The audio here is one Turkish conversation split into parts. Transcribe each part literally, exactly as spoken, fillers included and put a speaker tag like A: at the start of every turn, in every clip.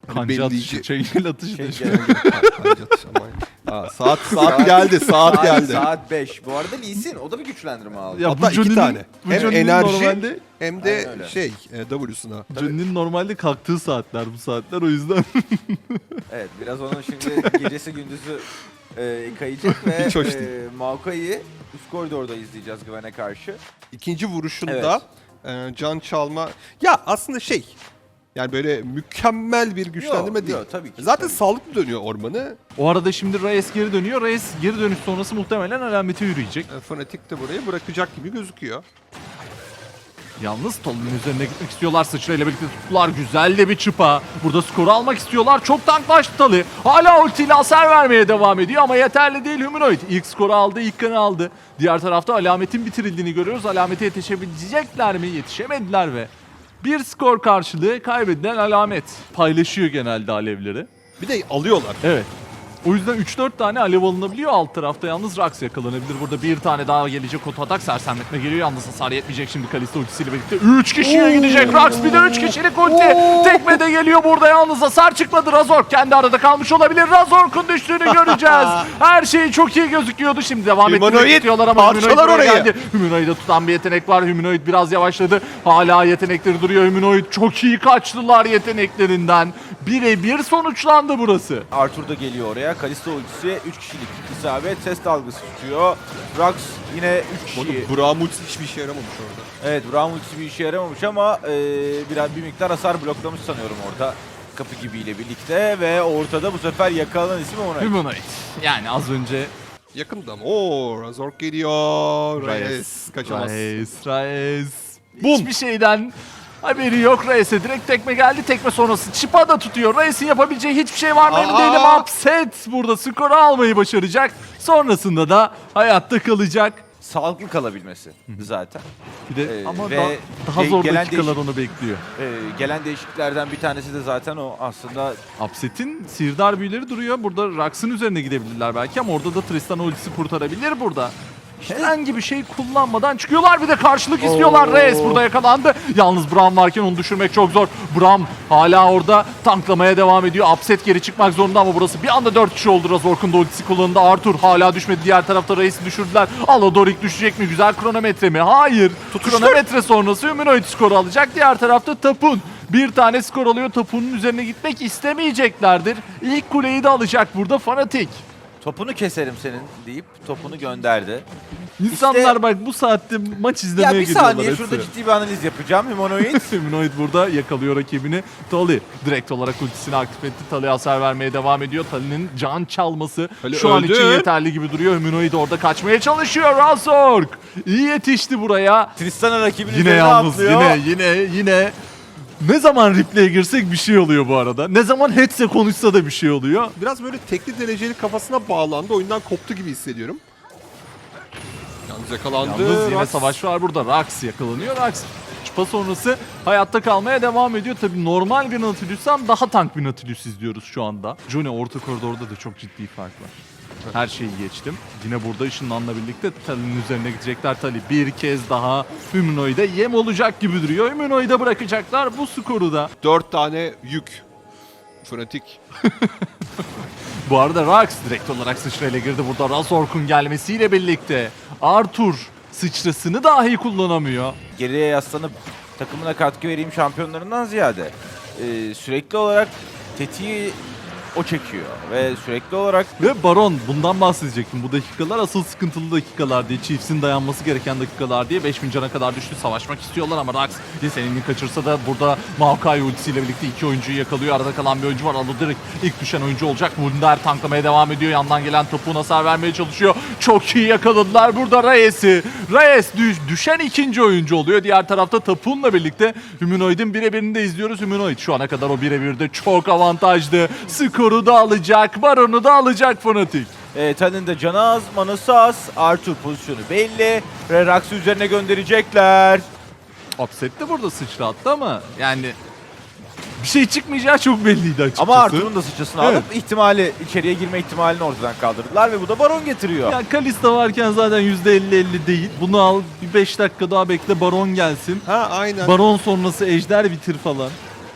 A: Kanca atışı, çengel atışı da şu.
B: Kanca atışı ama. Aa, saat saat geldi, saat geldi.
C: Saat beş. Bu arada Lee Sin o da bir güçlendirme aldı.
A: Ya
B: Hatta
A: bu
B: iki
A: Johnny'nin-
B: tane.
A: bu
B: Hem
A: Johnny'nin
B: enerji
A: normalde,
B: hem de
C: Aynen öyle.
B: şey e, W'suna.
A: Johnny'nin normalde kalktığı saatler bu saatler, o yüzden.
C: Evet, biraz onun şimdi gecesi gündüzü e, kayacak ve
B: Hiç hoş
C: e,
B: değil.
C: Maokai'yi üst koridorda izleyeceğiz Gwen'e karşı.
B: İkinci vuruşunda e, can çalma. Ya aslında şey yani böyle mükemmel bir güçlendirme
C: Yok,
B: değil.
C: yok, tabii ki,
B: Zaten
C: tabii ki.
B: sağlıklı dönüyor ormanı.
A: O arada şimdi Reyes geri dönüyor. Reyes geri dönüş sonrası muhtemelen alamete yürüyecek.
B: E, Fnatic de burayı bırakacak gibi gözüküyor.
A: Yalnız Talon'un üzerine gitmek istiyorlar. Sıçrayla birlikte tuttular. Güzel de bir çıpa. Burada skoru almak istiyorlar. Çok tanklaştı Talı. Hala ultiyle hasar vermeye devam ediyor ama yeterli değil Humanoid. İlk skoru aldı, ilk kanı aldı. Diğer tarafta alametin bitirildiğini görüyoruz. Alamete yetişebilecekler mi? Yetişemediler ve bir skor karşılığı kaybedilen alamet. Paylaşıyor genelde alevleri.
B: Bir de alıyorlar.
A: Evet. O yüzden üç dört tane alev alınabiliyor alt tarafta. Yalnız Rax yakalanabilir. Burada bir tane daha gelecek otoatak. Sersemletme geliyor. Yalnız hasar yetmeyecek şimdi Kalista ultisiyle birlikte. üç kişiye gidecek Rax. Bir de üç kişilik ulti. Tekme de geliyor burada. Yalnız hasar çıkmadı. Razork kendi arada kalmış olabilir. Razork'un düştüğünü göreceğiz. Her şey çok iyi gözüküyordu. Şimdi devam ettirmek
B: Humanoid
A: istiyorlar ama Humanoid
B: parçalar
A: buraya
B: orayı.
A: geldi. Humanoid'e tutan bir yetenek var. Humanoid biraz yavaşladı. Hala yetenekleri duruyor. Humanoid çok iyi kaçtılar yeteneklerinden. Birebir sonuçlandı burası.
C: Arthur da geliyor oraya. Kalista ultisi üç kişilik isabet. Ses dalgası tutuyor. Rax yine üç kişi.
B: Braum ultisi hiçbir işe yaramamış orada.
C: Evet, Braum ultisi bir işe yaramamış ama e, biraz bir miktar hasar bloklamış sanıyorum orada. Kapı gibiyle birlikte ve ortada bu sefer yakalanan isim Humanoid.
A: Humanoid. Yani az önce
B: Yakında mı? Oo, Razork geliyor.
A: Reyes.
B: Reyes kaçamaz.
A: Reyes. Reyes. Hiçbir şeyden haberi yok. Reyes'e direkt tekme geldi. Tekme sonrası Chipa da tutuyor. Reyes'in yapabileceği hiçbir şey var mı emin
B: Aa!
A: değilim. Upset burada skoru almayı başaracak. Sonrasında da hayatta kalacak.
C: Sağlıklı kalabilmesi zaten.
A: Bir de
C: Ee,
A: ama
C: ve
A: da- daha
C: ge-
A: zor
C: gelen
A: dakikalar
C: değişik-
A: onu bekliyor.
C: E, gelen değişikliklerden bir tanesi de zaten o aslında.
A: Upset'in sihirdar büyüleri duruyor. Burada Rax'ın üzerine gidebilirler belki ama orada da Tristan ultisi kurtarabilir burada. Herhangi bir şey kullanmadan çıkıyorlar. Bir de karşılık istiyorlar.
C: Oo.
A: Reyes burada yakalandı. Yalnız Braum varken onu düşürmek çok zor. Braum hala orada tanklamaya devam ediyor. Upset geri çıkmak zorunda ama burası bir anda dört kişi oldu. Razork'un da ultisi kullanıldı. Arthur hala düşmedi. Diğer tarafta Reyes'i düşürdüler. Aladorik düşecek mi? Güzel kronometre mi? Hayır. Kronometre sonrası Humanoid skoru alacak. Diğer tarafta Tapun bir tane skor alıyor. Tapun'un üzerine gitmek istemeyeceklerdir. İlk kuleyi de alacak burada Fnatic.
C: Topunu keserim senin deyip topunu gönderdi.
A: İnsanlar
C: İşte-
A: bak bu saatte maç
C: Ya
A: izlemeye
C: bir
A: geliyorlar.
C: saniye
A: hepsi.
C: şurada ciddi bir analiz yapacağım. Humanoid.
A: Humanoid burada yakalıyor rakibini. Tali direkt olarak ultisini aktif etti. Tali'ye hasar vermeye devam ediyor. Tali'nin can çalması
B: Tali
A: şu an
B: öldü.
A: için yeterli gibi duruyor. Humanoid orada kaçmaya çalışıyor. Razork iyi yetişti buraya.
C: Tristan'a rakibinin
A: Yine
C: üzerine
A: yalnız
C: atlıyor.
A: yine yine yine ne zaman replay'e girsek bir şey oluyor bu arada. Ne zaman headse konuşsa da bir şey oluyor.
B: Biraz böyle tekli dereceli kafasına bağlandı. Oyundan koptu gibi hissediyorum. Yalnız yakalandı.
A: Yalnız yine
B: Rax.
A: savaş var burada. Rax yakalanıyor. Rax çıpa sonrası hayatta kalmaya devam ediyor. Tabii normal bir Nautilus'tan daha tank bir Nautilus izliyoruz şu anda. Johnny orta koridorda da çok ciddi fark var. Her şeyi geçtim. Yine burada ışınlanla birlikte Tali'nin üzerine gidecekler. Tali bir kez daha Humanoid'e yem olacak gibi duruyor. Humanoid'e bırakacaklar bu skoru da.
B: Dört tane yük. Fnatic.
A: Bu arada Rax direkt olarak sıçrayla girdi. Burada Razork'un gelmesiyle birlikte Arthur sıçrasını dahi kullanamıyor.
C: Geriye yaslanıp takımına katkı vereyim şampiyonlarından ziyade e, sürekli olarak tetiği o çekiyor ve sürekli olarak
A: Ve Baron bundan bahsedecektim. Bu dakikalar asıl sıkıntılı dakikalar diye. Chiefs'in dayanması gereken dakikalar diye. beş bin cana kadar düştü. Savaşmak istiyorlar ama Rax Lisaning'i kaçırsa da burada Maokai ultisiyle birlikte iki oyuncuyu yakalıyor. Arada kalan bir oyuncu var. Aladorik ilk düşen oyuncu olacak. Wunder tanklamaya devam ediyor. Yandan gelen topuğun hasar vermeye çalışıyor. Çok iyi yakaladılar burada Reyes'i. Reyes düş, düşen ikinci oyuncu oluyor. Diğer tarafta Tapun'la birlikte Humanoid'in birebirini de izliyoruz. Humanoid şu ana kadar o birebirde çok avantajlı. Skoru da alacak, Baron'u da alacak Fnatic.
C: e, Tan'ın da canı az, manası az. Arthur pozisyonu belli ve Rax'ı üzerine gönderecekler.
A: Upset de burada sıçrattı ama yani bir şey çıkmayacağı çok belliydi açıkçası.
C: Ama Arthur'un da sıçrasını
A: Evet.
C: alıp ihtimali, içeriye girme ihtimalini ortadan kaldırdılar ve bu da Baron getiriyor.
A: Ya Kalista varken zaten yüzde elli elli değil. Bunu al bir beş dakika daha bekle Baron gelsin.
B: Ha aynen.
A: Baron sonrası Ejder bitir falan.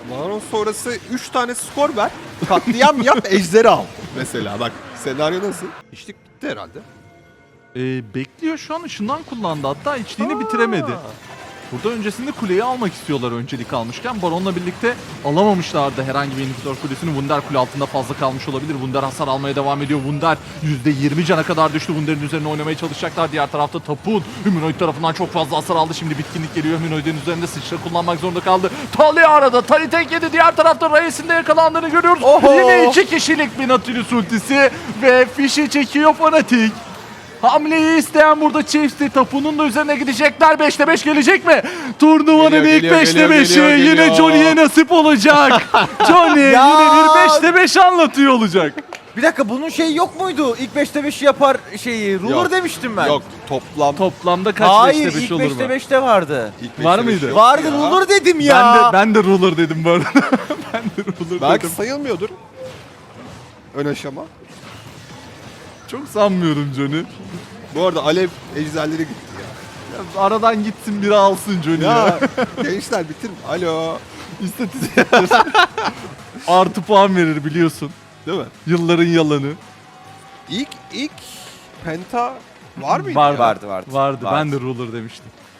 B: Baron sonrası üç tane skor ver. Katliam yap, ejderi al. Mesela bak senaryo nasıl? İşlik bitti herhalde.
A: Ee, bekliyor şu an, ışından kullandı hatta, içliğini bitiremedi. Burada öncesinde kuleyi almak istiyorlar öncelik almışken. Baron'la birlikte alamamışlardı herhangi bir inhibitor kulesini. Wunder kule altında fazla kalmış olabilir. Wunder hasar almaya devam ediyor. Wunder yüzde yirmi cana kadar düştü. Wunder'in üzerine oynamaya çalışacaklar. Diğer tarafta Tapun Humanoid tarafından çok fazla hasar aldı. Şimdi bitkinlik geliyor. Humanoid'in üzerinde sıçra kullanmak zorunda kaldı. Tali arada. Tali tek yedi. Diğer tarafta Reyes'in de yakalandığını görüyoruz.
C: Oho!
A: Yine iki kişilik bir Nautilus ultisi ve fişi çekiyor Fnatic. Hamleyi isteyen burada Chiefs'ti. Tapu'nun da üzerine gidecekler. beşte beş gelecek mi? Turnuvanın
B: Geliyor,
A: ilk
B: geliyor,
A: beşte
B: geliyor,
A: beşi
B: geliyor,
A: yine
B: geliyor.
A: Johnny'ye nasip olacak. Johnny
C: Ya!
A: yine bir beşte beş anlatıyor olacak.
C: Bir dakika, bunun şeyi yok muydu? İlk beşte beşi yapar şeyi. Ruler
B: Yok.
C: demiştim ben.
B: Yok toplam.
A: Toplamda kaç
C: Hayır,
A: beşte beş
C: ilk
A: olur
C: beşte
A: mu?
C: beşte vardı.
B: İlk
A: Var
B: beşte beş
A: mıydı?
B: yok
C: Vardı,
B: ya.
C: ruler dedim ya.
A: Ben de ben de ruler dedim bu arada. ben de ruler
B: Belki
A: dedim.
B: sayılmıyordur. Ön aşama.
A: Çok sanmıyorum Johnny.
B: Bu arada Alev ejderleri gitti ya.
A: Ya aradan gitsin biri alsın Johnny ya.
B: Ya gençler bitirin. Alo.
A: İstatistikler. Artı puan verir biliyorsun.
B: Değil mi?
A: Yılların yalanı.
B: İlk ilk Penta var mıydı?
A: Vardı.
B: ya?
C: Vardı, vardı.
A: Vardı. Ben de ruler demiştim.